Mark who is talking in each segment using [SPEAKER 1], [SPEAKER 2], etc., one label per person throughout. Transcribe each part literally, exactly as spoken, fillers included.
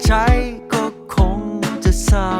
[SPEAKER 1] ช้ก็คงจะเศร้า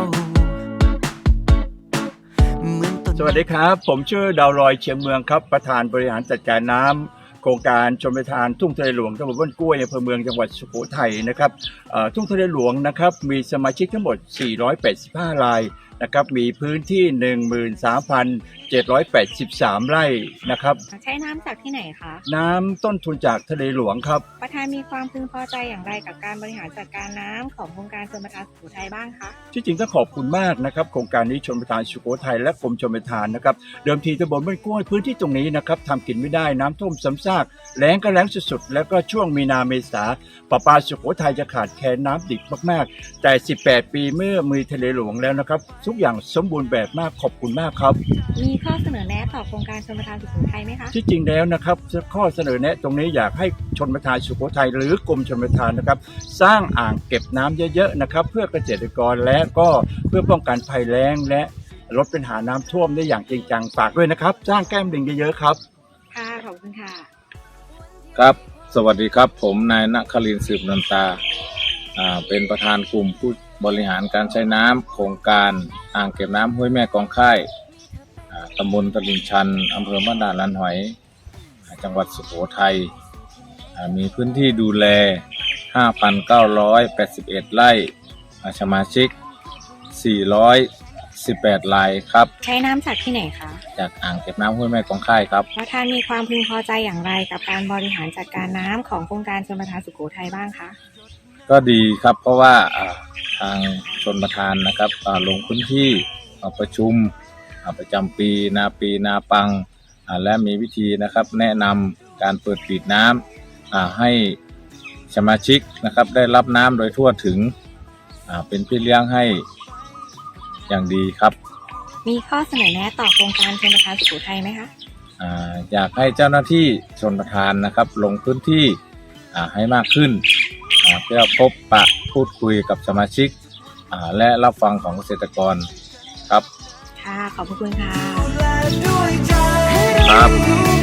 [SPEAKER 2] สวัสดีครับผมชื่อดาวลอยเชียงเมืองครับประธานบริหารจัดการน้ำโครงการชลประทานทุ่งทะเลหลวงตำบลบ้านกล้วยอำเภอเมืองจังหวัดสุโขทัยนะครับทุ่งทะเลหลวงนะครับมีสมาชิกทั้งหมดสี่ร้อยแปดสิบห้ารายนะครับมีพื้นที่ หนึ่งหมื่นสามพันเจ็ดร้อยแปดสิบสาม ไร่นะครับ
[SPEAKER 3] ใช้น้ำจากที่ไหนคะ
[SPEAKER 2] น้ำต้นทุนจากทะเลหลวงครับ
[SPEAKER 3] ประธานมีความพึงพอใจอย่างไรกับการบริหารจัดการน้ำของโครงการชลประทานสุโขทัยบ้างคะ
[SPEAKER 2] ที่จริงต้องขอบคุณมากนะครับโครงการนี้ชลประทานสุโขทัยและกรมชลประทานนะครับเดิมทีตำบลบ้านกล้วยพื้นที่ตรงนี้นะครับทำกินไม่ได้น้ำท่วมซ้ำซากแล้งก็แล้งสุดๆแล้วก็ช่วงมีนาเมษาประปาสุโขทัยจะขาดแคลนน้ำดิบมากๆแต่สิบแปดปีเมื่อมีทะเลหลวงแล้วนะครับทุกอย่างสมบูรณ์แบบมากขอบคุณมากครับ
[SPEAKER 3] มีข้อเสนอแนะต่อโครงการชลประทานสุโขทัยไหมคะ
[SPEAKER 2] ที่จริงแล้วนะครับข้อเสนอแนะตรงนี้อยากให้ชลประทานสุโขทัยหรือกรมชลประทานนะครับสร้างอ่างเก็บน้ำเยอะๆนะครับเพื่อเกษตรกรและก็เพื่อป้องกันภัยแล้งและลดปัญหาน้ำท่วมได้อย่างจริงจังฝากด้วยนะครับสร้างแก้มลิงเยอะๆครับ
[SPEAKER 3] ค่ะขอบคุณค่ะ
[SPEAKER 4] ครับสวัสดีครับผมนายณครินทร์สืบนันตาอ่าเป็นประธานกลุ่มผู้บริหารการใช้น้ำโครงการอ่างเก็บน้ำห้วยแม่กองค่ายตำบลตลิ่งชันอำเภอบ้านด่านลานหอยจังหวัดสุโขทัยมีพื้นที่ดูแล ห้าพันเก้าร้อยแปดสิบเอ็ด ไร่สมาชิกสี่ร้อยสิบแปดรายครับ
[SPEAKER 3] ใช้น้ำจากที่ไหนคะ
[SPEAKER 4] จากอ่างเก็บน้ำห้วยแม่กองค่ายครับ
[SPEAKER 3] ประธานมีความพึงพอใจอย่างไรกับการบริหารจัดการน้ำของโครงการชลประทานสุโขทัยบ้างคะ
[SPEAKER 4] ก็ดีครับเพราะว่าทางชลประทานนะครับลงพื้นที่ประชุมประจำปีนาปีนาปังและมีวิธีนะครับแนะนำการเปิดปิดน้ำให้สมาชิกนะครับได้รับน้ำโดยทั่วถึงเป็นพี่เลี้ยงให้อย่างดีครับ
[SPEAKER 3] มีข้อเสนอแนะต่อโครงการชลประทานสุโขทัยไหมคะ
[SPEAKER 4] อยากให้เจ้าหน้าที่ชลประทานนะครับลงพื้นที่ให้มากขึ้นเพื่อพบปะพูดคุยกับสมาชิกและรับฟังของเกษตรกรครับ
[SPEAKER 3] ค่ะขอบคุณค่ะ
[SPEAKER 4] ครับ